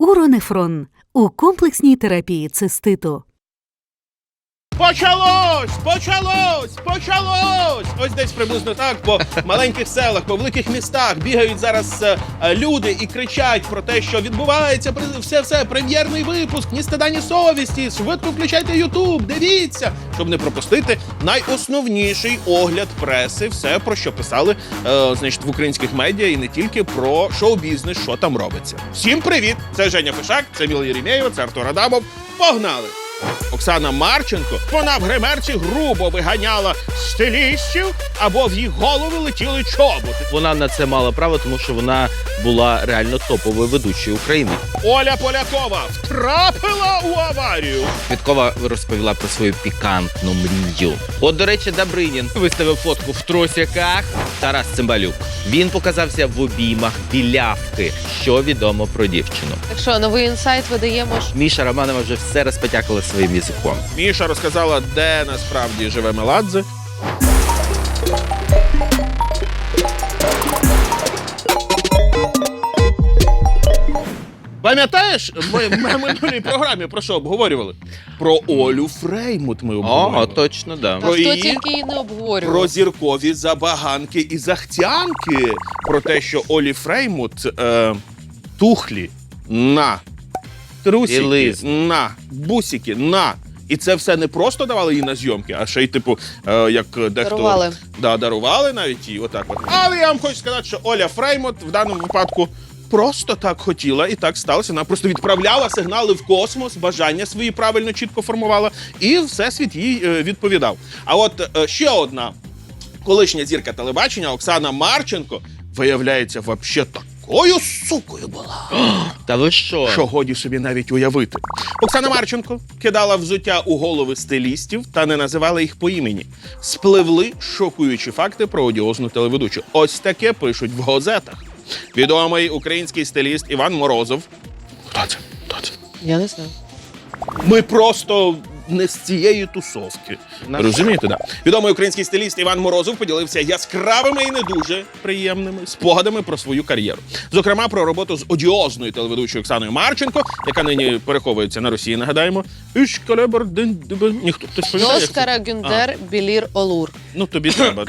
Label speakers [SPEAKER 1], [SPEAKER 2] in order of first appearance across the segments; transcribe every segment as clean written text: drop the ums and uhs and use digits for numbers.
[SPEAKER 1] Уронефрон у комплексній терапії циститу.
[SPEAKER 2] Почалось! Ось десь приблизно так по маленьких селах, по великих містах бігають зараз люди і кричать про те, що відбувається все, прем'єрний випуск, ні стида, ні совісті, швидко включайте Ютуб, дивіться, щоб не пропустити найосновніший огляд преси, все, про що писали, значить, в українських медіа і не тільки про шоу-бізнес, що там робиться. Всім привіт! Це Женя Фишак, це Міла Єремєєва, це Артур Адамов. Погнали! Оксана Марченко, вона в гримерці грубо виганяла стилістів, або в їх голови летіли чоботи.
[SPEAKER 3] Вона на це мала право, тому що вона була реально топовою ведучою України.
[SPEAKER 2] Оля Полякова втрапила у аварію.
[SPEAKER 3] Квіткова розповіла про свою пікантну мрію. От, до речі, Добринін виставив фотку в тросяках. Тарас Цимбалюк. Він показався в обіймах білявки, що відомо про дівчину.
[SPEAKER 4] Так що, новий інсайт видаємо ж.
[SPEAKER 3] Міша Романова вже все розпотякала своїм язиком.
[SPEAKER 2] Міша розказала, де насправді живе Меладзе. Пам'ятаєш, ми в минулій програмі про що обговорювали? Про Олю Фреймут ми обговорювали.
[SPEAKER 3] О, точно, да.
[SPEAKER 4] Та хто
[SPEAKER 2] її-
[SPEAKER 4] тільки її не обговорював.
[SPEAKER 2] Про зіркові забаганки і захтянки. Про те, що Олі Фреймут тухлі на, трусики
[SPEAKER 3] Білизна.
[SPEAKER 2] на, бусики на. І це все не просто давали їй на зйомки, а ще й, типу, як дехто...
[SPEAKER 4] Дарували.
[SPEAKER 2] Да, дарували навіть їй, отак от. Але я вам хочу сказати, що Оля Фреймут в даному випадку просто так хотіла, і так сталося. Вона просто відправляла сигнали в космос, бажання свої правильно, чітко формувала, і всесвіт їй відповідав. А от ще одна колишня зірка телебачення, Оксана Марченко, виявляється, вообще такою сукою була,
[SPEAKER 3] Та ви що?
[SPEAKER 2] що годі собі навіть уявити. Оксана Марченко кидала взуття у голови стилістів та не називала їх по імені. Спливли шокуючі факти про одіозну телеведучу. Ось таке пишуть в газетах. Відомий український стиліст Іван Морозов. Хто це?
[SPEAKER 4] Я не знаю.
[SPEAKER 2] Ми просто не з цієї тусовки. Розумієте, да? Відомий український стиліст Іван Морозов поділився яскравими і не дуже приємними спогадами про свою кар'єру. Зокрема, про роботу з одіозною телеведучою Оксаною Марченко, яка нині переховується на Росії, нагадаємо. Ніхто хтось пам'ятає, як це?
[SPEAKER 4] Оскара Гюндер Білір Олур.
[SPEAKER 2] Ну, тобі треба.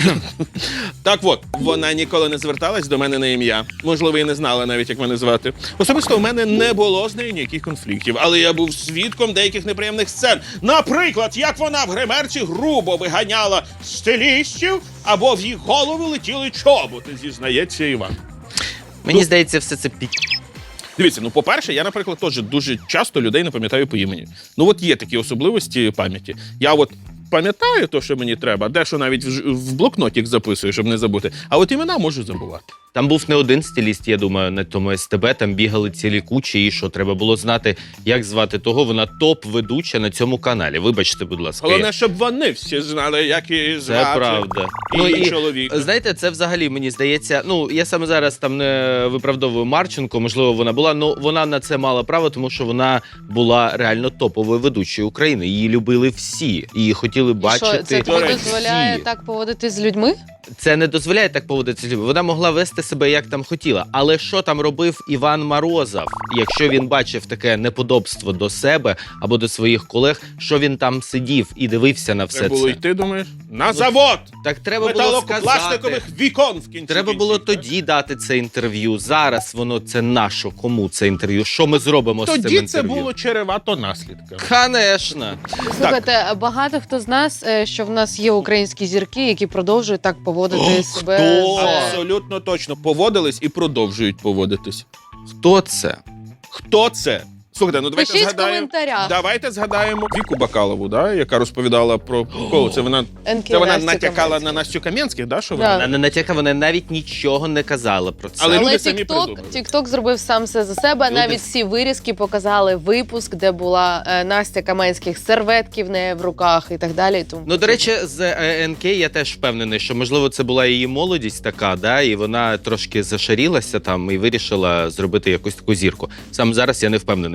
[SPEAKER 2] Так от, вона ніколи не зверталась до мене на ім'я. Можливо, і не знала навіть, як мене звати. Особисто в мене не було з нею ніяких конфліктів, але я був свідком деяких неприємних сцен. Наприклад, як вона в гримерці грубо виганяла стилістів, або в їх голови летіли чоботи, зізнається Іван.
[SPEAKER 3] Мені здається, все це
[SPEAKER 2] Дивіться, ну, по-перше, я, наприклад, теж дуже часто людей не пам'ятаю по імені. Ну, от є такі особливості пам'яті. Я от пам'ятаю те, що мені треба, дещо навіть в блокнотик записую, щоб не забути. А от імена можу забувати.
[SPEAKER 3] Там був не один стиліст, я думаю, на тому СТБ, там бігали цілі кучі, і що треба було знати, як звати того, вона топ-ведуча на цьому каналі. Вибачте, будь ласка.
[SPEAKER 2] Головне, щоб вони всі знали, як її звати.
[SPEAKER 3] Це правда.
[SPEAKER 2] І чоловік.
[SPEAKER 3] Знаєте, це взагалі, мені здається, ну, я саме зараз там не виправдовую Марченко, можливо, вона була, але вона на це мала право, тому що вона була реально топовою ведучою України. Її любили всі, її хотіли бачити
[SPEAKER 4] Що, це тобі
[SPEAKER 3] всі.
[SPEAKER 4] дозволяє так поводитись з людьми?
[SPEAKER 3] Це не дозволяє так поводитися з людьми. Вона могла вести себе як там хотіла. Але що там робив Іван Морозов, якщо він бачив таке неподобство до себе або до своїх колег, що він там сидів і дивився на все
[SPEAKER 2] Треба було
[SPEAKER 3] це?
[SPEAKER 2] йти, думаєш? На завод!
[SPEAKER 3] Так треба було сказати.
[SPEAKER 2] Металопластикових вікон в кінці.
[SPEAKER 3] Треба було
[SPEAKER 2] кінців, так?
[SPEAKER 3] тоді дати це інтерв'ю. Зараз воно це наше. Кому це інтерв'ю? Що ми зробимо з цим
[SPEAKER 2] Тоді
[SPEAKER 3] інтерв'ю?
[SPEAKER 2] це було чревато наслідками.
[SPEAKER 3] Конечно.
[SPEAKER 4] Слухайте, багато хто з нас, що в нас є українські зірки, які продовжують так поводити себе.
[SPEAKER 3] хто?
[SPEAKER 2] Абсолютно точно. Поводились і продовжують поводитись.
[SPEAKER 3] Хто це?
[SPEAKER 2] Хто це? Слухайте, ну давайте
[SPEAKER 4] Пишіть в
[SPEAKER 2] згадаємо.
[SPEAKER 4] коментарях.
[SPEAKER 2] Давайте згадаємо Віку Бакалову, да, яка розповідала про кого. Це вона натякала на Настю Кам'янських, да, що
[SPEAKER 4] Да.
[SPEAKER 2] вона?
[SPEAKER 3] Вона не натякала, вона навіть нічого не казала про це.
[SPEAKER 2] Але
[SPEAKER 4] Але
[SPEAKER 2] люди самі придумали.
[SPEAKER 4] TikTok зробив сам все за себе.
[SPEAKER 2] Люди-
[SPEAKER 4] Навіть всі вирізки показали випуск, де була Настя Каменських серветки в неї в руках і так далі. Тому
[SPEAKER 3] Ну, до речі, з НК я теж впевнений, що, можливо, це була її молодість така, да, і вона трошки зашарілася там і вирішила зробити якусь таку зірку. Сам зараз я не впевнений,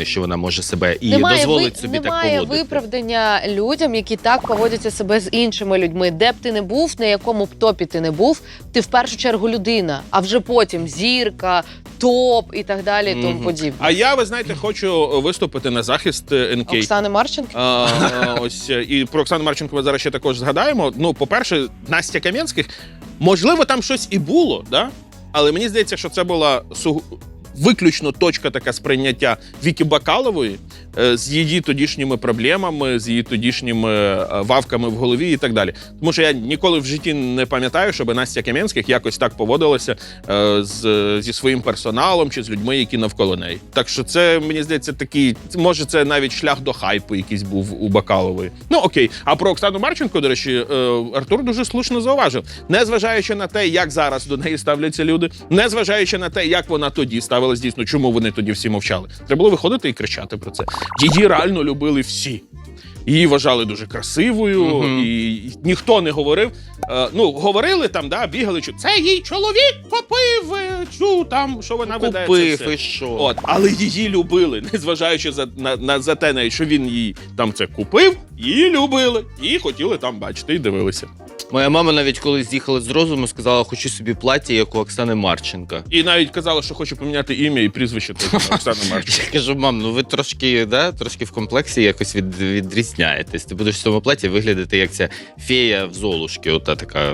[SPEAKER 3] що вона може себе і дозволить собі так
[SPEAKER 4] немає
[SPEAKER 3] поводити.
[SPEAKER 4] виправдання людям, які так поводяться себе з іншими людьми. Де б ти не був, на якому б топі ти не був, ти в першу чергу людина, а вже потім зірка, топ і так далі, і тому подібне.
[SPEAKER 2] А я, ви знаєте, хочу виступити на захист НК.
[SPEAKER 4] Оксани Марченко?
[SPEAKER 2] Ось і про Оксану Марченко ми зараз ще також згадаємо. Ну, по-перше, Настя Кам'янських, можливо, там щось і було, да? Але мені здається, що це була виключно точка така сприйняття Вікі Бакалової з її тодішніми проблемами, з її тодішніми вавками в голові і так далі. Тому що я ніколи в житті не пам'ятаю, щоб Настя Кам'янських якось так поводилася зі своїм персоналом чи з людьми, які навколо неї. Так що це, мені здається, такий, може це навіть шлях до хайпу якийсь був у Бакалової. Ну окей. А про Оксану Марченко, до речі, Артур дуже слушно зауважив. Незважаючи на те, як зараз до неї ставляться люди, незважаючи на те, як вона тоді ставилась, дійсно, чому вони тоді всі мовчали. Треба було виходити і кричати про це. Її реально любили всі. Її вважали дуже красивою, і ніхто не говорив. Ну, говорили там, да, бігали, що це їй чоловік купив, там, що вона веде.
[SPEAKER 3] Купив, і що?
[SPEAKER 2] От, але її любили, незважаючи за те, навіть, що він їй там це купив, її любили, і хотіли там бачити, і дивилися.
[SPEAKER 3] Моя мама навіть коли з'їхала з розуму, сказала, хочу собі плаття, як у Оксани Марченка.
[SPEAKER 2] І навіть казала, що хоче поміняти ім'я і прізвище Оксани Марченко.
[SPEAKER 3] Я кажу, мам, ну ви трошки в комплексі якось відрізняєтесь. Ти будеш в цьому платі виглядати, як ця фея в Золушки, ота така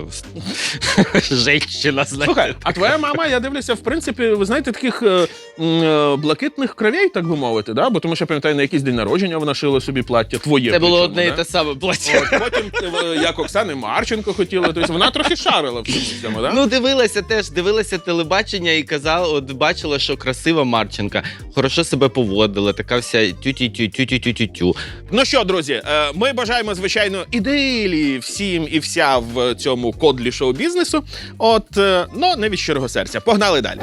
[SPEAKER 3] женщина, знаєте.
[SPEAKER 2] Слухай, а твоя мама, я дивлюся, в принципі, ви знаєте, таких блакитних кровей, так би мовити, да? Бо тому що, я пам'ятаю, на якийсь день народження вона шила собі плаття, твоє.
[SPEAKER 3] Це було
[SPEAKER 2] причому,
[SPEAKER 3] одне і
[SPEAKER 2] да?
[SPEAKER 3] те саме плаття.
[SPEAKER 2] От, потім, як Оксани Марченко хотіла, тобто вона трохи шарила в цьому, да?
[SPEAKER 3] Ну, дивилася телебачення і казала, от бачила, що красива Марченка, хорошо себе поводила, така вся тю-тю-тю-тю-тю-тю-тю.
[SPEAKER 2] Ну що, друзі, ми бажаємо, звичайно, ідилії всім і вся в цьому кодлі шоу-бізнесу. От, ну, не від щирого серця. Погнали далі.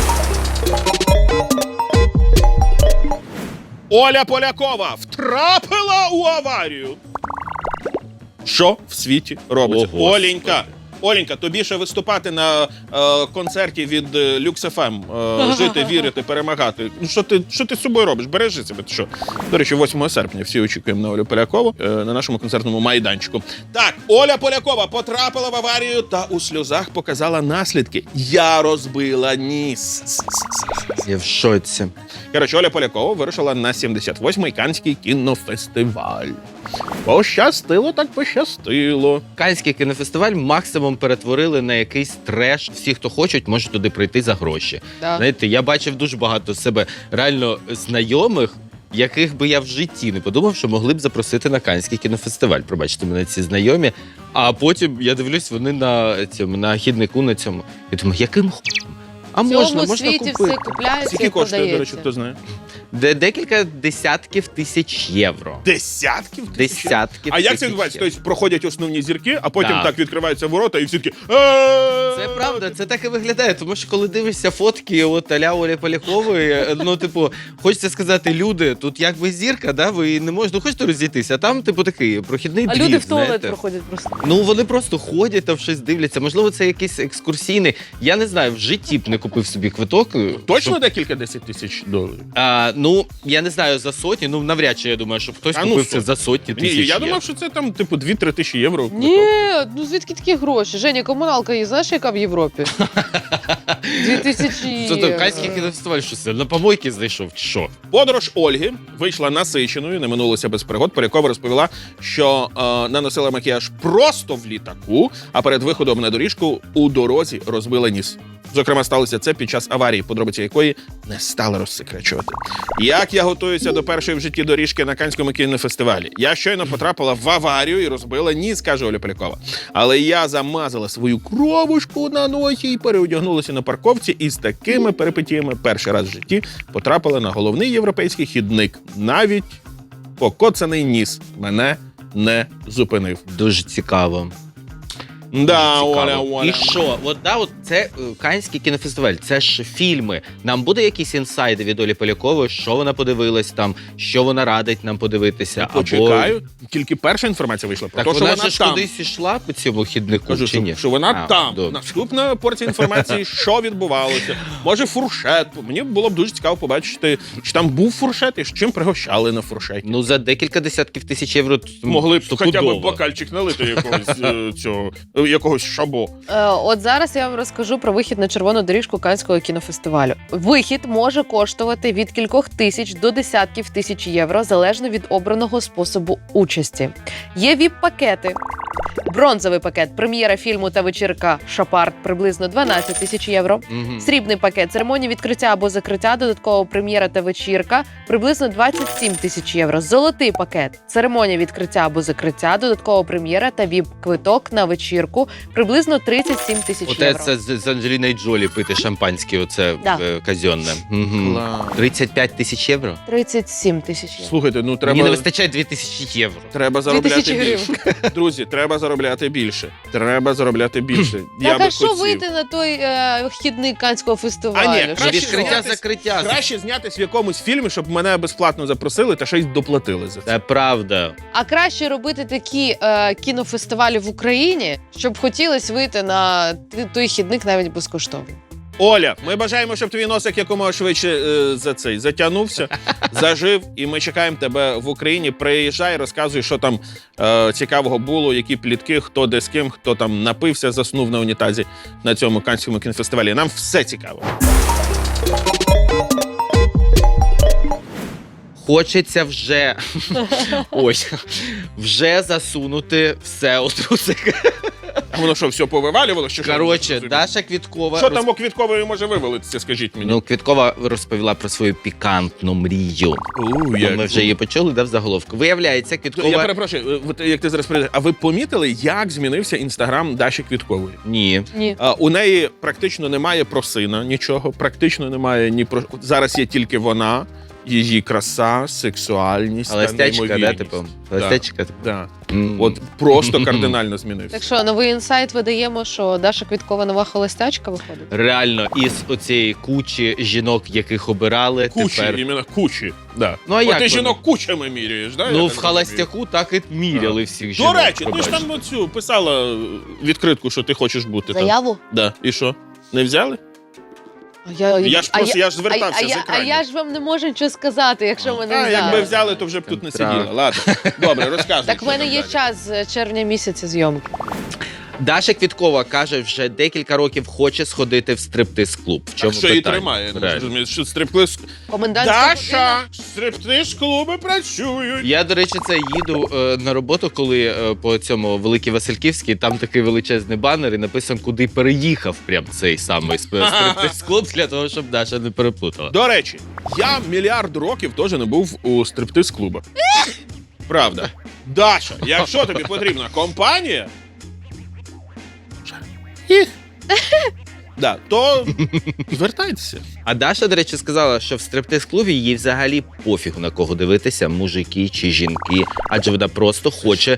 [SPEAKER 2] Оля Полякова втрапила у аварію. Що в світі робиться?
[SPEAKER 3] Ого,
[SPEAKER 2] Оленька, тобі ще виступати на концерті від Lux FM, жити, вірити, перемагати. Ну, що ти з собою робиш? Бережи себе. Ти що? До речі, 8 серпня всі очікуємо на Олю Полякову на нашому концертному майданчику. Так, Оля Полякова потрапила в аварію та у сльозах показала наслідки. Я розбила ніс.
[SPEAKER 3] Я в шоці.
[SPEAKER 2] Коротше, Оля Полякова вирушила на 78-й Каннський кінофестиваль. Пощастило так пощастило.
[SPEAKER 3] Каннський кінофестиваль максимум перетворили на якийсь треш. Всі, хто хочуть, можуть туди прийти за гроші.
[SPEAKER 4] Да.
[SPEAKER 3] Знаєте, я бачив дуже багато себе реально знайомих, яких би я в житті не подумав, що могли б запросити на Каннський кінофестиваль. Пробачте мене ці знайомі. А потім я дивлюсь, вони на хіднику на цьому. Я думаю, яким хуйом? А
[SPEAKER 4] В
[SPEAKER 3] можна
[SPEAKER 4] цьому світі
[SPEAKER 3] купити.
[SPEAKER 4] все купляється
[SPEAKER 2] Скільки
[SPEAKER 4] і
[SPEAKER 2] коштує, до
[SPEAKER 4] продається.
[SPEAKER 2] речі, хто знає?
[SPEAKER 3] Декілька десятків тисяч євро.
[SPEAKER 2] Десятків тисяч?
[SPEAKER 3] Десятків
[SPEAKER 2] А як це
[SPEAKER 3] тисяч
[SPEAKER 2] відбувається?
[SPEAKER 3] євро.
[SPEAKER 2] Тобто проходять основні зірки, а потім
[SPEAKER 3] Так.
[SPEAKER 2] так відкриваються ворота і всі такі...
[SPEAKER 3] Це правда, це так і виглядає, тому що коли дивишся фотки от а-ля Олі Полякової, ну, типу, хочеться сказати, люди, тут якби зірка, да, ви не можете, хочете розійтися, а там, типу, такий прохідний
[SPEAKER 4] А
[SPEAKER 3] двір,
[SPEAKER 4] люди в туалет
[SPEAKER 3] знаєте.
[SPEAKER 4] проходять просто.
[SPEAKER 3] Ну, вони просто ходять там щось дивляться, можливо, це якийсь екскурсійний, я не знаю, в житті б не купив собі квиток.
[SPEAKER 2] Точно
[SPEAKER 3] щоб-
[SPEAKER 2] декілька 10 тисяч доларів?
[SPEAKER 3] Ну, я не знаю, за сотні, ну, навряд чи, я думаю, щоб хтось
[SPEAKER 2] А ну,
[SPEAKER 3] купив це
[SPEAKER 2] сотні.
[SPEAKER 3] за сотні
[SPEAKER 2] Ні,
[SPEAKER 3] тисяч
[SPEAKER 2] я
[SPEAKER 3] євро.
[SPEAKER 2] думав, що це там, типу, 2-3 тисячі євро.
[SPEAKER 4] Ні, ну звідки такі гроші? Женя, комуналка є, знаєш, яка в Європі? 2000
[SPEAKER 3] Це то Каннський кінофестиваль, що це, на помойки знайшов, чи що?
[SPEAKER 2] Подорож Ольги вийшла насиченою, не минулося без пригод. Полякова розповіла, що наносила макіяж просто в літаку, а перед виходом на доріжку у дорозі розбила ніс. Зокрема, сталося це під час аварії, подробиці якої не стали розсекречувати. Як я готуюся до першої в житті доріжки на Каннському кінофестивалі? Я щойно потрапила в аварію і розбила ніс, каже Оля Полякова. Але я замазала свою кровушку на носі і переодягнулася на парковці, і з такими перипетіями перший раз в житті потрапила на головний європейський хідник. Навіть покоцаний ніс мене не зупинив.
[SPEAKER 3] Дуже цікаво.
[SPEAKER 2] Да,
[SPEAKER 3] Цікаво.
[SPEAKER 2] Оля.
[SPEAKER 3] І що? От це Каннський кінофестиваль, це ж фільми. Нам буде якісь інсайди від Олі Полякової, що вона подивилась там, що вона радить нам подивитися.
[SPEAKER 2] Почекаю, тільки перша інформація вийшла про
[SPEAKER 3] Так
[SPEAKER 2] те, що
[SPEAKER 3] вона
[SPEAKER 2] вона
[SPEAKER 3] ж
[SPEAKER 2] там.
[SPEAKER 3] кудись ішла по цьому хіднику,
[SPEAKER 2] Кажу,
[SPEAKER 3] чи ні?
[SPEAKER 2] що вона там.
[SPEAKER 3] добре.
[SPEAKER 2] Наступна порція інформації, що відбувалося. Може, фуршет. Мені було б дуже цікаво побачити, чи там був фуршет і з чим пригощали на фуршеті.
[SPEAKER 3] Ну, за декілька десятків тисяч євро
[SPEAKER 2] Могли б хоча б
[SPEAKER 3] стопудово.
[SPEAKER 2] бокальчик налити якогось шабо.
[SPEAKER 4] От зараз я вам розкажу про вихід на червону доріжку Каннського кінофестивалю. Вихід може коштувати від кількох тисяч до десятків тисяч євро, залежно від обраного способу участі. Є віп-пакети. Бронзовий пакет, прем'єра фільму та вечірка «Шапарт» приблизно 12 тисяч євро.
[SPEAKER 3] Мгм.
[SPEAKER 4] Срібний пакет, церемонія відкриття або закриття, додаткова прем'єра та вечірка приблизно 27 тисяч євро. Золотий пакет, церемонія відкриття або закриття, додаткова прем'єра та віп-квиток на вечірку приблизно 37 тисяч
[SPEAKER 3] Оте
[SPEAKER 4] євро.
[SPEAKER 3] це з Анджеліною Джолі пити шампанське, оце
[SPEAKER 4] Да.
[SPEAKER 3] казенне. Мгм.
[SPEAKER 2] Клас.
[SPEAKER 3] 35 тисяч євро?
[SPEAKER 4] 37 тисяч євро.
[SPEAKER 2] Слухайте, ну
[SPEAKER 3] Мені не
[SPEAKER 2] треба,
[SPEAKER 3] вистачає 2000 євро.
[SPEAKER 2] треба заробляти
[SPEAKER 4] 2000
[SPEAKER 2] більше. Друзі, треба заробляти більше. Треба заробляти більше. Я
[SPEAKER 4] Так,
[SPEAKER 2] би
[SPEAKER 4] а що
[SPEAKER 2] хотів.
[SPEAKER 4] вийти на той вхідник Каннського фестивалю?
[SPEAKER 2] А ні,
[SPEAKER 4] Що
[SPEAKER 2] краще
[SPEAKER 4] ж
[SPEAKER 3] Відкриття,
[SPEAKER 2] знятись-
[SPEAKER 3] закриття.
[SPEAKER 2] Краще знятись в якомусь фільмі, щоб мене безплатно запросили та ще й доплатили за це.
[SPEAKER 3] Це правда.
[SPEAKER 4] А краще робити такі кінофестивалі в Україні, щоб хотілося вийти на той хідник навіть безкоштовно.
[SPEAKER 2] Оля, ми бажаємо, щоб твій носик якомога швидше затягнувся, зажив, і ми чекаємо тебе в Україні. Приїжджай, розказуй, що там цікавого було, які плітки, хто де з ким, хто там напився, заснув на унітазі на цьому Каннському кінофестивалі. Нам все цікаво.
[SPEAKER 3] Хочеться вже ось вже засунути все у трусик.
[SPEAKER 2] А воно що, все повивалювало? Що
[SPEAKER 3] Коротше, Даша Квіткова.
[SPEAKER 2] Що там у Квіткової може вивалитися, скажіть мені?
[SPEAKER 3] Ну, Квіткова розповіла про свою пікантну мрію. Ми вже її почули, в заголовку. Виявляється,
[SPEAKER 2] Я
[SPEAKER 3] Квіткова...
[SPEAKER 2] перепрошую, от як ти зараз прийдеш, а ви помітили, як змінився інстаграм Даші Квіткової?
[SPEAKER 3] Ні.
[SPEAKER 4] Ні.
[SPEAKER 2] У неї практично немає про сина нічого, практично немає ні про... Зараз є тільки вона, її краса, сексуальність та
[SPEAKER 3] Холостячка, да,
[SPEAKER 2] неймовірність.
[SPEAKER 3] типу? Холостячка, типу?
[SPEAKER 2] Да.
[SPEAKER 3] М.
[SPEAKER 2] От просто кардинально змінився.
[SPEAKER 4] Так що, новий інсайт видаємо, що Даша Квіткова нова холостячка виходить?
[SPEAKER 3] Реально, із оцієї кучі жінок, яких обирали,
[SPEAKER 2] Кучі,
[SPEAKER 3] тепер...
[SPEAKER 2] іменно кучі. Да.
[SPEAKER 3] Ну, а
[SPEAKER 2] От
[SPEAKER 3] як
[SPEAKER 2] ти
[SPEAKER 3] вони?
[SPEAKER 2] жінок кучами міряєш, да?
[SPEAKER 3] Ну,
[SPEAKER 2] я
[SPEAKER 3] в
[SPEAKER 2] так
[SPEAKER 3] холостяку так і міряли всіх
[SPEAKER 2] розумію.
[SPEAKER 3] жінок.
[SPEAKER 2] До речі, ти ж
[SPEAKER 3] пробачте.
[SPEAKER 2] там оцю писала відкритку, що ти хочеш бути там.
[SPEAKER 4] Заяву?
[SPEAKER 2] Да. І що? Не взяли? Я ж звертався з
[SPEAKER 4] А
[SPEAKER 2] екранів.
[SPEAKER 4] я ж вам не можу нічого сказати, якщо мене
[SPEAKER 2] А,
[SPEAKER 4] не
[SPEAKER 2] якби
[SPEAKER 4] знають.
[SPEAKER 2] взяли, то вже б тут не
[SPEAKER 3] Централ.
[SPEAKER 2] сиділа. Ладно. Добре, розказуй.
[SPEAKER 4] Так в
[SPEAKER 2] що
[SPEAKER 4] мене
[SPEAKER 2] там
[SPEAKER 4] є
[SPEAKER 2] далі.
[SPEAKER 4] час з червня місяця зйомки.
[SPEAKER 3] Даша Квіткова каже, вже декілька років хоче сходити в стриптиз-клуб. В чому
[SPEAKER 2] Так що її
[SPEAKER 3] питання?
[SPEAKER 2] тримає? Ну,
[SPEAKER 3] Реально.
[SPEAKER 2] розумієш, що стриптиз...
[SPEAKER 4] Комендантська
[SPEAKER 2] Даша! Стриптиз-клуби працюють!
[SPEAKER 3] Я, до речі, це їду на роботу, коли по цьому Великій Васильківській, там такий величезний банер і написано, куди переїхав прям цей самий стриптиз-клуб, для того, щоб Даша не переплутала.
[SPEAKER 2] До речі, я мільярд років теж не був у стриптиз-клубах. Правда. Даша, якщо тобі потрібна компанія, да, то звертайтеся.
[SPEAKER 3] А Даша, до речі, сказала, що в стриптиз-клубі їй взагалі пофігу на кого дивитися, мужики чи жінки, адже вона просто хоче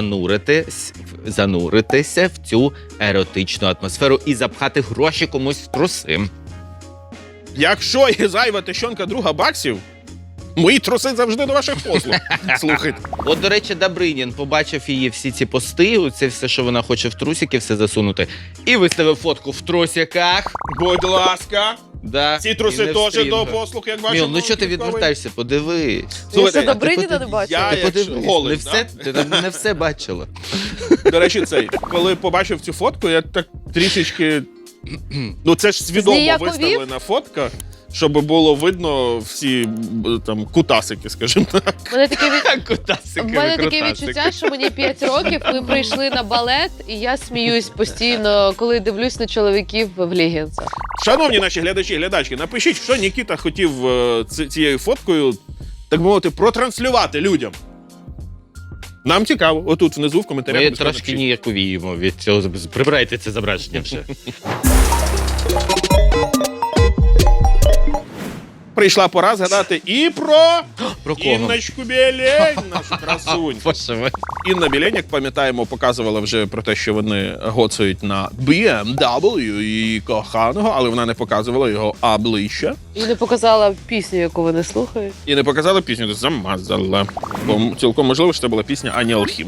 [SPEAKER 3] зануритися в цю еротичну атмосферу і запхати гроші комусь в труси.
[SPEAKER 2] Якщо є зайва тещонка друга баксів, мої труси завжди до ваших послуг. Слухайте.
[SPEAKER 3] От, до речі, Добринін побачив її всі ці пости, це все, що вона хоче в трусики, все засунути, і виставив фотку в трусиках.
[SPEAKER 2] Будь ласка,
[SPEAKER 3] Да,
[SPEAKER 2] ці
[SPEAKER 3] і
[SPEAKER 2] труси
[SPEAKER 3] не в
[SPEAKER 2] теж
[SPEAKER 3] стрінг.
[SPEAKER 2] до послуг, як бачимо.
[SPEAKER 3] Міл, ну що ти відвертаєшся? Подивись.
[SPEAKER 4] Я
[SPEAKER 2] Слухайте,
[SPEAKER 4] ще
[SPEAKER 2] а
[SPEAKER 4] Добриніна не бачила.
[SPEAKER 2] я-
[SPEAKER 3] Ти
[SPEAKER 2] якщо
[SPEAKER 3] подивись,
[SPEAKER 2] голий,
[SPEAKER 3] не все, ти там не все бачила.
[SPEAKER 2] До речі, коли побачив цю фотку, я так трішечки. Ну це ж свідомо
[SPEAKER 4] Зніяковів?
[SPEAKER 2] виставлена фотка, щоб було видно всі там кутасики, скажімо так.
[SPEAKER 4] У мене таке
[SPEAKER 3] Кутасики,
[SPEAKER 4] В мене таке
[SPEAKER 3] викрутасики.
[SPEAKER 4] відчуття, що мені 5 років, ми прийшли на балет, і я сміюсь постійно, коли дивлюсь на чоловіків в легінсах.
[SPEAKER 2] Шановні наші глядачі, глядачки, напишіть, що Нікіта хотів цією фоткою, так би мовити, протранслювати людям. Нам цікаво. Отут внизу в коментарях.
[SPEAKER 3] Ми
[SPEAKER 2] обов'язково
[SPEAKER 3] трошки
[SPEAKER 2] напишіть.
[SPEAKER 3] ніяковіємо від цього. Прибирайте це зображення вже.
[SPEAKER 2] Прийшла пора згадати і про
[SPEAKER 3] Про кого?
[SPEAKER 2] Інночку Білень, нашу красунь.
[SPEAKER 3] Боже мой.
[SPEAKER 2] Інна Білень, як пам'ятаємо, показувала вже про те, що вони гоцають на BMW і коханого, але вона не показувала його обличчя.
[SPEAKER 4] І не показала пісню, яку вони слухають.
[SPEAKER 2] І не показала пісню, то замазала. Бо цілком можливо, що це була пісня Ані Алхім.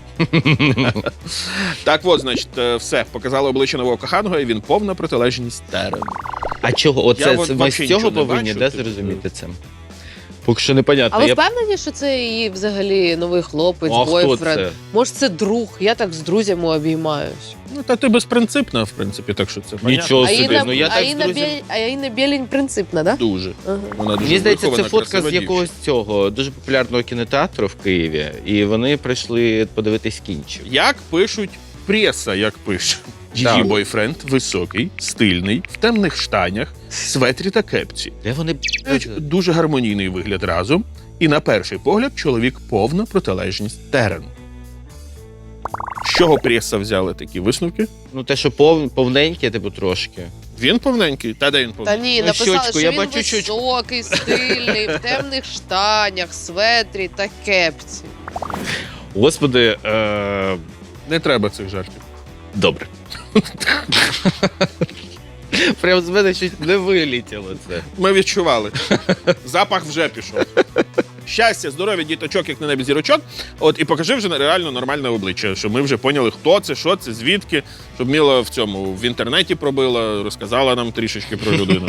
[SPEAKER 2] Так от, значить, все. Показали обличчя нового коханого, і він повна протилежність Терену.
[SPEAKER 3] А чого?
[SPEAKER 2] Я
[SPEAKER 3] Оце
[SPEAKER 2] от
[SPEAKER 3] ми
[SPEAKER 2] вообще
[SPEAKER 3] з цього
[SPEAKER 2] нічого не
[SPEAKER 3] повинні
[SPEAKER 2] бачу,
[SPEAKER 3] зрозуміти це? Поки що непонятно.
[SPEAKER 4] А ви впевнені, що це її взагалі новий хлопець,
[SPEAKER 3] А хто
[SPEAKER 4] бойфренд?
[SPEAKER 3] це?
[SPEAKER 4] Може, це друг? Я так з друзями обіймаюсь.
[SPEAKER 2] Ну, та ти безпринципна, в принципі, так що це понятно.
[SPEAKER 3] Нічого
[SPEAKER 4] А
[SPEAKER 3] собі.
[SPEAKER 4] Інна,
[SPEAKER 3] Ну я так з друзями...
[SPEAKER 4] Інна Білень принципна, да?
[SPEAKER 2] Дуже.
[SPEAKER 4] Ага.
[SPEAKER 2] Вона дуже
[SPEAKER 3] Мені здається, це
[SPEAKER 2] вихована,
[SPEAKER 3] фотка
[SPEAKER 2] красива
[SPEAKER 3] з якогось цього дуже популярного кінотеатру в Києві, і вони прийшли подивитись кінчик.
[SPEAKER 2] Як пишуть преса, як пише. Її
[SPEAKER 3] Так.
[SPEAKER 2] бойфренд високий, стильний, в темних штанях, светрі та кепці.
[SPEAKER 3] Де вони
[SPEAKER 2] Дуже гармонійний вигляд разом. І на перший погляд чоловік повна протилежність Терену. З чого преса взяли такі висновки?
[SPEAKER 3] Ну те, що повненьке, типу трошки.
[SPEAKER 2] Він повненький? Та де він
[SPEAKER 4] Та
[SPEAKER 2] повненький?
[SPEAKER 4] ні,
[SPEAKER 3] Ну,
[SPEAKER 4] написали,
[SPEAKER 3] щочку,
[SPEAKER 4] що
[SPEAKER 3] я
[SPEAKER 4] він
[SPEAKER 3] бачу щочку.
[SPEAKER 4] високий, стильний, в темних штанях, светрі та кепці.
[SPEAKER 3] Господи,
[SPEAKER 2] Не треба цих жартів.
[SPEAKER 3] добре. Прям з мене щось не вилітіло це.
[SPEAKER 2] Ми відчували. Запах вже пішов. Щастя, здоров'я, діточок, як на небі зірочок. От і покажи вже реально нормальне обличчя, щоб ми вже поняли, хто це, що це, звідки, щоб Міла в інтернеті пробила, розказала нам трішечки про людину.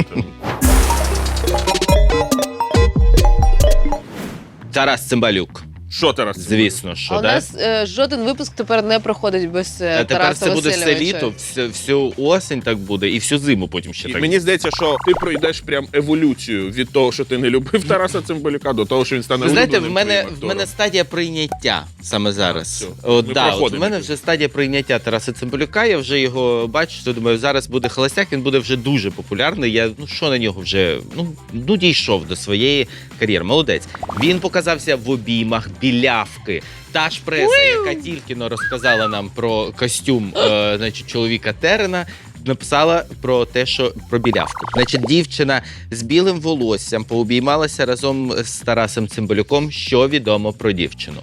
[SPEAKER 3] Тарас Цимбалюк.
[SPEAKER 2] Що Тарас?
[SPEAKER 3] Звісно, що,
[SPEAKER 4] А у
[SPEAKER 3] да?
[SPEAKER 4] нас жоден випуск тепер не проходить без
[SPEAKER 3] А тепер
[SPEAKER 4] Тараса
[SPEAKER 3] це буде все
[SPEAKER 4] Васильовича.
[SPEAKER 3] літо, всю осінь так буде, і всю зиму потім ще
[SPEAKER 2] І
[SPEAKER 3] так.
[SPEAKER 2] мені здається, що ти пройдеш прям еволюцію від того, що ти не любив Тараса Цимбалюка, до того, що він стане
[SPEAKER 3] Ви знаєте,
[SPEAKER 2] улюбленим
[SPEAKER 3] в мене
[SPEAKER 2] твоїм
[SPEAKER 3] стадія прийняття саме зараз.
[SPEAKER 2] Все,
[SPEAKER 3] От,
[SPEAKER 2] ми
[SPEAKER 3] да, от
[SPEAKER 2] проходимо
[SPEAKER 3] в мене
[SPEAKER 2] якось.
[SPEAKER 3] вже стадія прийняття Тараса Цимбалюка. Я вже його бачу, що думаю, зараз буде холостяк, він буде вже дуже популярний. Я що на нього вже дійшов до своєї кар'єри. Молодець. Він показався в обіймах білявки. Та ж преса, яка тільки но розказала нам про костюм значить, чоловіка Терена, написала про те, що про білявку. Значить, дівчина з білим волоссям пообіймалася разом з Тарасом Цимбалюком. Що відомо про дівчину?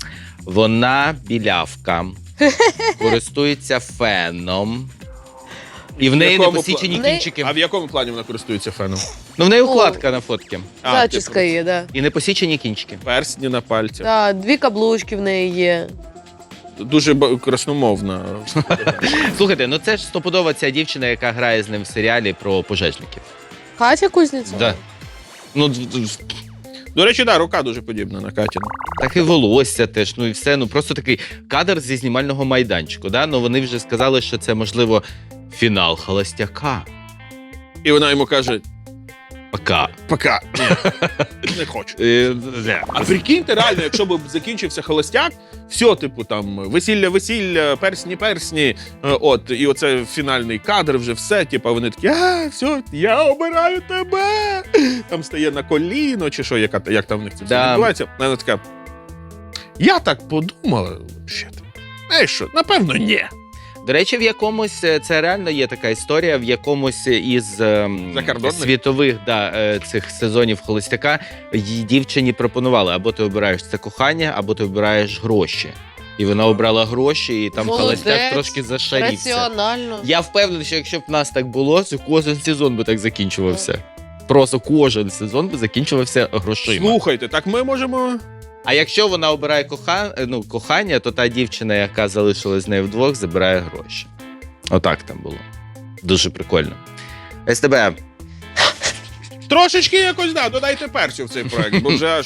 [SPEAKER 3] Вона білявка, користується феном. І в неї не
[SPEAKER 2] якому
[SPEAKER 3] посічені
[SPEAKER 4] плані?
[SPEAKER 3] кінчики.
[SPEAKER 2] А в якому плані вона користується феном?
[SPEAKER 3] Ну, в неї укладка на фотки.
[SPEAKER 4] Зачіска
[SPEAKER 2] типу,
[SPEAKER 4] є, да.
[SPEAKER 3] І не посічені кінчики.
[SPEAKER 2] персні на пальцях.
[SPEAKER 4] Да, 2 каблучки в неї є.
[SPEAKER 2] Дуже красномовна.
[SPEAKER 3] Слухайте, ну це ж стопудова ця дівчина, яка грає з ним в серіалі про пожежників.
[SPEAKER 4] Катя Кузніцова?
[SPEAKER 3] Да. Ну,
[SPEAKER 2] До речі, да, рука дуже подібна на Катіну.
[SPEAKER 3] так і волосся теж, ну і все. Ну просто такий кадр зі знімального майданчику. Да? Ну вони вже сказали, що це, можливо, фінал холостяка.
[SPEAKER 2] І вона йому каже:
[SPEAKER 3] Пока.
[SPEAKER 2] пока. Ні, не хочу. А
[SPEAKER 3] А
[SPEAKER 2] прикиньте, реально, якщо б закінчився холостяк, все, типу, там, весілля, персні, от, і оце фінальний кадр, вже все, типу, вони такі, все, я обираю тебе. Там стає на коліно, чи що, як там в них це все
[SPEAKER 3] Да.
[SPEAKER 2] відбувається. А вона така, я так подумала, знаєш що, напевно, ні.
[SPEAKER 3] До речі, в якомусь це реально є така історія. В якомусь із
[SPEAKER 2] Закордонних?
[SPEAKER 3] світових цих сезонів холостяка їй дівчині пропонували: або ти обираєш це кохання, або ти обираєш гроші. І вона обрала гроші, і там
[SPEAKER 4] Молодець,
[SPEAKER 3] холостяк трошки зашарівся.
[SPEAKER 4] Раціонально.
[SPEAKER 3] Я впевнений, що якщо б в нас так було, то кожен сезон би так закінчувався. Просто кожен сезон би закінчувався грошима.
[SPEAKER 2] Слухайте, так ми можемо...
[SPEAKER 3] А якщо вона обирає кохання, то та дівчина, яка залишилась з нею вдвох, забирає гроші. Отак там було. Дуже прикольно. СТБ.
[SPEAKER 2] Трошечки якось, да, додайте перцю в цей проект, бо вже аж...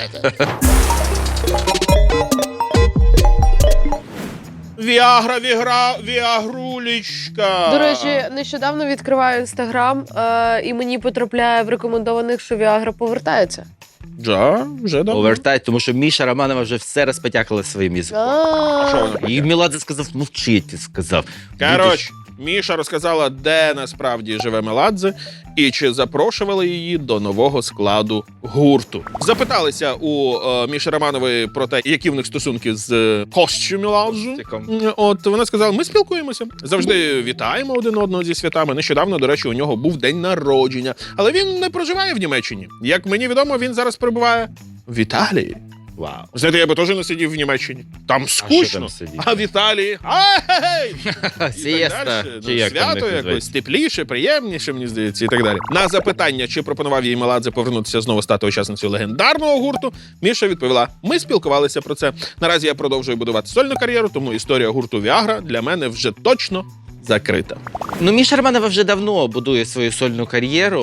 [SPEAKER 2] Віагрулічка.
[SPEAKER 4] До речі, нещодавно відкриваю інстаграм, і мені потрапляє в рекомендованих, що Віагра повертається.
[SPEAKER 2] Вже давно.
[SPEAKER 3] Повертай, тому що Міша Романова вже все розпотякала своїм язиком.
[SPEAKER 2] Що вона
[SPEAKER 3] І Меладзе сказав, мовчи, ти сказав.
[SPEAKER 2] Коротше, Міша розказала, де насправді живе Меладзе і чи запрошували її до нового складу гурту. Запиталися у Міші Романової про те, які в них стосунки з Костю Меладзе. От вона сказала, ми спілкуємося, завжди вітаємо один одного зі святами. Нещодавно, до речі, у нього був день народження, але він не проживає в Німеччині. Як мені відомо, він зараз перебуває в Італії.
[SPEAKER 3] Вау.
[SPEAKER 2] Знаєте, я би теж не сидів в Німеччині. Там скучно. А в Італії
[SPEAKER 3] Сієста. Чи як там
[SPEAKER 2] свято
[SPEAKER 3] їх
[SPEAKER 2] якось
[SPEAKER 3] називають?
[SPEAKER 2] тепліше, приємніше, мені здається, і так далі. На запитання, чи пропонував їй Меладзе повернутися знову стати учасницею легендарного гурту, Міша відповіла, ми спілкувалися про це. Наразі я продовжую будувати сольну кар'єру, тому історія гурту Viagra для мене вже точно закрита.
[SPEAKER 3] Ну, Міша Романова вже давно будує свою сольну кар'єру.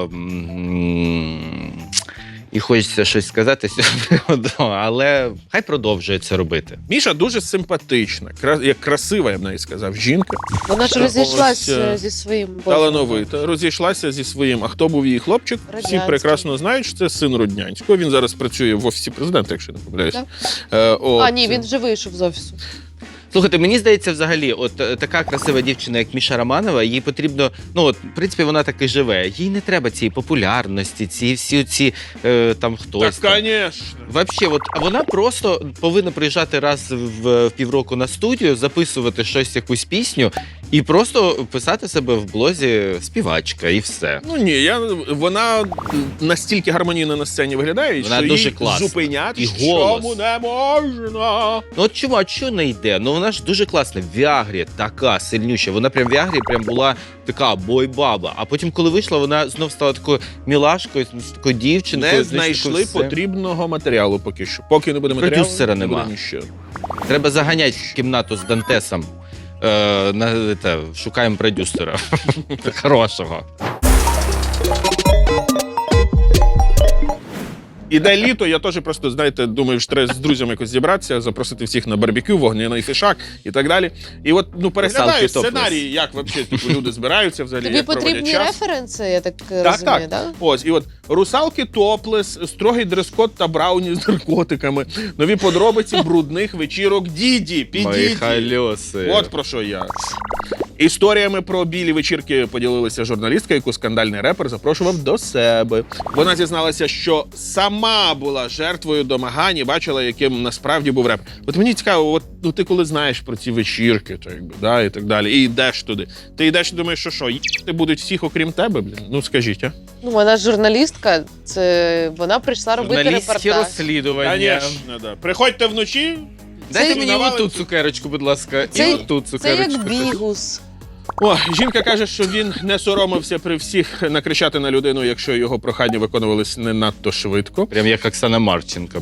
[SPEAKER 3] І хочеться щось сказати з цього приводу, але хай продовжує це робити.
[SPEAKER 2] Міша дуже симпатична, як красива, я б навіть сказав, жінка.
[SPEAKER 4] Вона ж розійшлася зі своїм
[SPEAKER 2] Талановита. Розійшлася зі своїм. А хто був її хлопчик? Всі
[SPEAKER 4] Роднянський.
[SPEAKER 2] прекрасно знають, що це син Роднянського. Він зараз працює в офісі президента, якщо я не помиляюся.
[SPEAKER 4] А, ні, він вже вийшов з офісу.
[SPEAKER 3] Слухайте, мені здається, взагалі, от така красива дівчина, як Міша Романова, їй потрібно, ну от, в принципі, вона так і живе. Їй не треба цієї популярності, ці там хтось.
[SPEAKER 2] Так,
[SPEAKER 3] там.
[SPEAKER 2] звісно.
[SPEAKER 3] Вообще, от, а вона просто повинна приїжджати раз в півроку на студію, записувати щось, якусь пісню, і просто писати себе в блозі співачка, і все.
[SPEAKER 2] Ну ні, вона настільки гармонійно на сцені виглядає,
[SPEAKER 3] Вона
[SPEAKER 2] що
[SPEAKER 3] дуже
[SPEAKER 2] їй
[SPEAKER 3] класна.
[SPEAKER 2] зупиняти
[SPEAKER 3] І
[SPEAKER 2] чому
[SPEAKER 3] голос.
[SPEAKER 2] не можна.
[SPEAKER 3] Ну от чому, а чого не йде? Ну вона ж дуже класна. В Віагрі така сильнюща. Вона прям в Віагрі прям була така бой-баба. А потім, коли вийшла, вона знов стала такою мілашкою, такою дівчинкою.
[SPEAKER 2] Не
[SPEAKER 3] знаєш,
[SPEAKER 2] знайшли
[SPEAKER 3] такою все.
[SPEAKER 2] потрібного матеріалу поки що. Поки не буде матеріалу,
[SPEAKER 3] Продюсера
[SPEAKER 2] не буде
[SPEAKER 3] нема.
[SPEAKER 2] нічого.
[SPEAKER 3] Треба заганяти в кімнату з Дантесом. Шукаємо продюсера. Хорошого.
[SPEAKER 2] Іде літо, я теж просто, знаєте, думаю, що треба з друзями якось зібратися, запросити всіх на барбекю, вогняний фішак і так далі. І от, переглядаю
[SPEAKER 3] Салки
[SPEAKER 2] сценарії, як взагалі люди збираються взагалі,
[SPEAKER 4] Тобі
[SPEAKER 2] як проводять
[SPEAKER 4] потрібні
[SPEAKER 2] час.
[SPEAKER 4] референси, я так
[SPEAKER 2] Так,
[SPEAKER 4] розумію,
[SPEAKER 2] так.
[SPEAKER 4] да?
[SPEAKER 2] Ось, і от русалки топлес, строгий дрес-код та брауні з наркотиками, нові подробиці брудних вечірок Діді,
[SPEAKER 3] Мої
[SPEAKER 2] підіді.
[SPEAKER 3] хальоси.
[SPEAKER 2] От про що я. Історіями про білі вечірки поділилася журналістка, яку скандальний репер запрошував до себе. Вона зізналася, що сама була жертвою домагань і бачила, яким насправді був реп. От мені цікаво, ти коли знаєш про ці вечірки, то якби, да, і так далі, і йдеш туди. Ти йдеш і думаєш, що їсти будуть всіх, окрім тебе, блін? Ну скажіть, а?
[SPEAKER 4] Ну, вона ж журналістка, вона прийшла робити
[SPEAKER 3] Журналістські
[SPEAKER 4] репортаж.
[SPEAKER 3] розслідування.
[SPEAKER 2] Звісно, да. Приходьте вночі.
[SPEAKER 3] Дайте
[SPEAKER 4] Це-
[SPEAKER 3] мені
[SPEAKER 2] навалить-
[SPEAKER 3] оту цукерочку, будь ласка.
[SPEAKER 4] Це-
[SPEAKER 3] І оту
[SPEAKER 4] Це
[SPEAKER 3] цукерочку.
[SPEAKER 4] як бігус.
[SPEAKER 2] О, жінка каже, що він не соромився при всіх накричати на людину, якщо його прохання виконувались не надто швидко.
[SPEAKER 3] Прям як Оксана Марченко.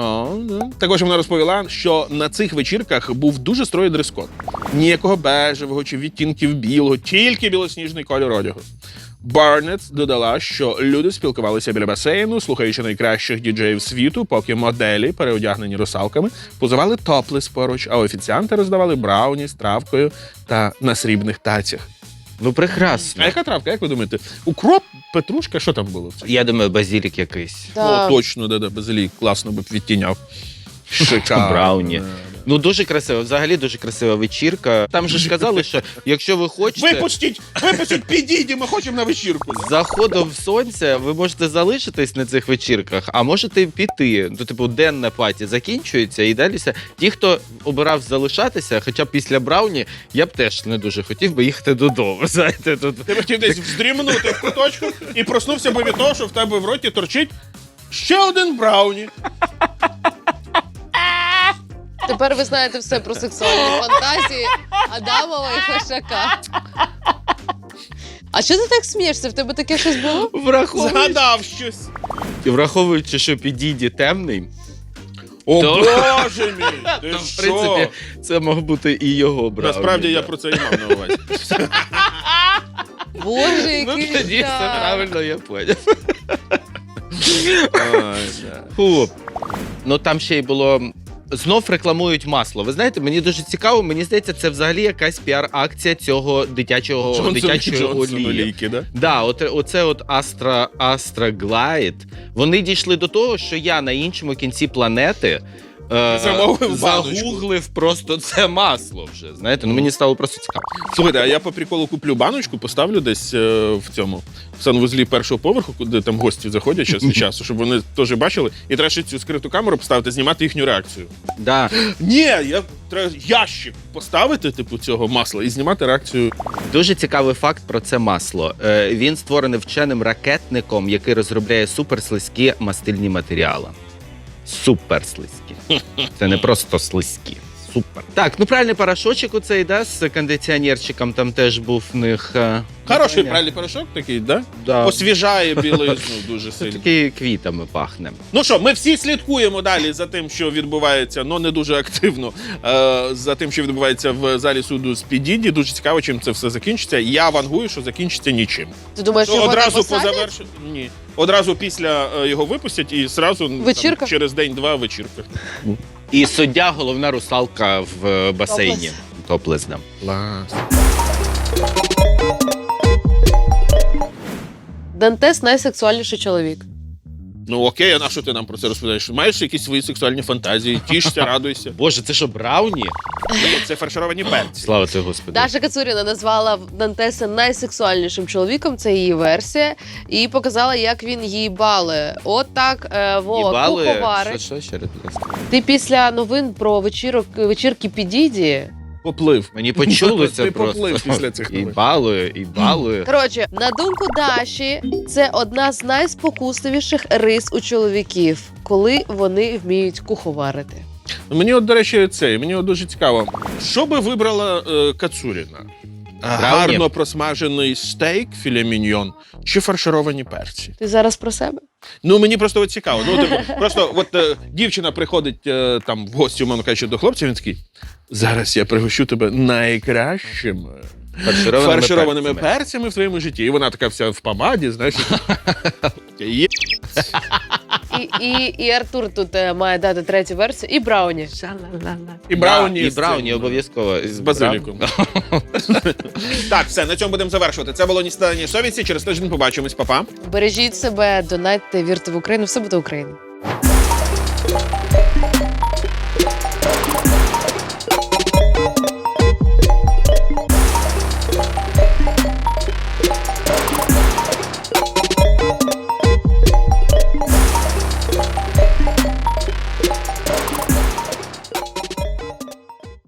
[SPEAKER 2] Да. Також вона розповіла, що на цих вечірках був дуже строгий дрес-код. Ніякого бежевого чи відтінків білого, тільки білосніжний кольор одягу. Барнетт додала, що люди спілкувалися біля басейну, слухаючи найкращих діджеїв світу, поки моделі, переодягнені русалками, позували топлес поруч, а офіціанти роздавали брауні з травкою та на срібних тацях.
[SPEAKER 3] Ну, прекрасно.
[SPEAKER 2] А яка травка, як ви думаєте? Укроп, петрушка, що там було?
[SPEAKER 3] Я думаю, базілік якийсь.
[SPEAKER 4] Да.
[SPEAKER 2] О, точно, да, базилік, класно би відтіняв. Шикарно.
[SPEAKER 3] Брауні.
[SPEAKER 2] Да.
[SPEAKER 3] Ну, дуже красиво, взагалі дуже красива вечірка. Там же ж казали, що якщо ви хочете,
[SPEAKER 2] Випустіть, підійді, ми хочемо на вечірку.
[SPEAKER 3] з заходом сонця ви можете залишитись на цих вечірках, а можете піти. Ну, типу, денна паті закінчується і далі. Ті, хто обирав залишатися, хоча б після брауні, я б теж не дуже хотів би їхати додому. Знаєте, тут
[SPEAKER 2] Ти б хотів десь вздрімнути в куточку і проснувся би від того, що в тебе в роті торчить ще один брауні.
[SPEAKER 4] Тепер ви знаєте все про сексуальні фантазії Адамова і Фешака. А що ти так смієшся? В тебе таке щось було?
[SPEAKER 2] Згадав щось.
[SPEAKER 3] враховуючи, що підійді темний,
[SPEAKER 2] О,
[SPEAKER 3] То-
[SPEAKER 2] Боже мій! Ти
[SPEAKER 3] то, в
[SPEAKER 2] що?
[SPEAKER 3] принципі, це мог бути і його брауні.
[SPEAKER 2] Насправді я
[SPEAKER 3] да.
[SPEAKER 2] про це і мав на увазі.
[SPEAKER 4] Боже,
[SPEAKER 3] Ну,
[SPEAKER 4] який
[SPEAKER 3] тоді все
[SPEAKER 4] жах.
[SPEAKER 3] правильно, я поняв.
[SPEAKER 2] Ой, да.
[SPEAKER 3] Фу. Ну там ще й було. Знов рекламують масло. Ви знаєте, мені дуже цікаво, мені здається, це взагалі якась піар-акція цього дитячої олії.
[SPEAKER 2] олійки, да?
[SPEAKER 3] Да, оце от Astra Glide. Вони дійшли до того, що я на іншому кінці планети
[SPEAKER 2] Замовив баночку.
[SPEAKER 3] загуглив просто це масло вже. Знаєте, ну мені стало просто цікаво.
[SPEAKER 2] Слухайте, а я по приколу куплю баночку, поставлю десь в цьому в санвузлі першого поверху, куди там гості заходять час від часу, щоб вони теж бачили. І треба ще цю скриту камеру поставити, знімати їхню реакцію.
[SPEAKER 3] Да.
[SPEAKER 2] Ні, треба ящик поставити, типу, цього масла і знімати реакцію.
[SPEAKER 3] Дуже цікавий факт про це масло. Він створений вченим ракетником, який розробляє суперслизькі мастильні матеріали. Суперслизькі. Це не просто слизькі. Супер. Так, ну пральний порошочок оцей, да, з кондиціонерчиком там теж був в них.
[SPEAKER 2] Хороший
[SPEAKER 3] питання.
[SPEAKER 2] пральний порошок такий, да?
[SPEAKER 3] Да.
[SPEAKER 2] Освіжає білизну дуже
[SPEAKER 3] Це
[SPEAKER 2] сильно.
[SPEAKER 3] такий квітами пахне.
[SPEAKER 2] Ну що, ми всі слідкуємо далі за тим, що відбувається, але не дуже активно, за тим, що відбувається в залі суду з Підіді. Дуже цікаво, чим це все закінчиться. Я вангую, що закінчиться нічим.
[SPEAKER 4] Ти думаєш, що його
[SPEAKER 2] Одразу по
[SPEAKER 4] посадять?
[SPEAKER 2] завершенню. Ні. Одразу після його випустять і зразу
[SPEAKER 4] Вечірка?
[SPEAKER 2] там, через день-два вечірка.
[SPEAKER 3] І суддя – головна русалка в басейні. Топлес, да.
[SPEAKER 2] Клас.
[SPEAKER 4] Дантес найсексуальніший чоловік.
[SPEAKER 2] Ну окей, а на що ти нам про це розповідаєш? Маєш якісь свої сексуальні фантазії? Тішся, радуйся.
[SPEAKER 3] Боже, це що, брауні?
[SPEAKER 2] Це фаршировані перці.
[SPEAKER 3] Слава тобі, Господи.
[SPEAKER 4] Даша Кацуріна назвала Дантеса найсексуальнішим чоловіком, це її версія, і показала, як він її балує. От так, Вова,
[SPEAKER 3] Їбали?
[SPEAKER 4] куховарить.
[SPEAKER 3] Що ще раз, будь ласка?
[SPEAKER 4] Ти після новин про вечірки Підіді.
[SPEAKER 2] Поплив.
[SPEAKER 3] Мені почулося
[SPEAKER 2] Ти
[SPEAKER 3] просто.
[SPEAKER 2] поплив після цих
[SPEAKER 3] І
[SPEAKER 2] новин.
[SPEAKER 3] балує, і балує.
[SPEAKER 4] Коротше, на думку Даші, це одна з найспокусливіших рис у чоловіків, коли вони вміють куховарити.
[SPEAKER 2] Мені от, до речі, мені от дуже цікаво. Що би вибрала Кацуріна? Гарно просмажений стейк, філе міньйон, чи фаршировані перці?
[SPEAKER 4] Ти зараз про себе?
[SPEAKER 2] Ну, мені просто от цікаво. Ну, типу, просто от дівчина приходить там в гості, умовно кажучи, до хлопця, він такий, зараз я пригощу тебе найкращими фаршированими перцями в твоєму житті. І вона така вся в помаді, знаєш, є.
[SPEAKER 4] І Артур тут має дати третю версію, і Брауні.
[SPEAKER 2] І брауні.
[SPEAKER 3] І
[SPEAKER 2] з
[SPEAKER 3] брауні
[SPEAKER 2] цим,
[SPEAKER 3] обов'язково.
[SPEAKER 2] з базиліком. Так, все, на цьому будемо завершувати. Це було «Ні стадання совісті». Через тиждень побачимось. Па-па.
[SPEAKER 4] Бережіть себе, донатьте, вірте в Україну, все буде Україна.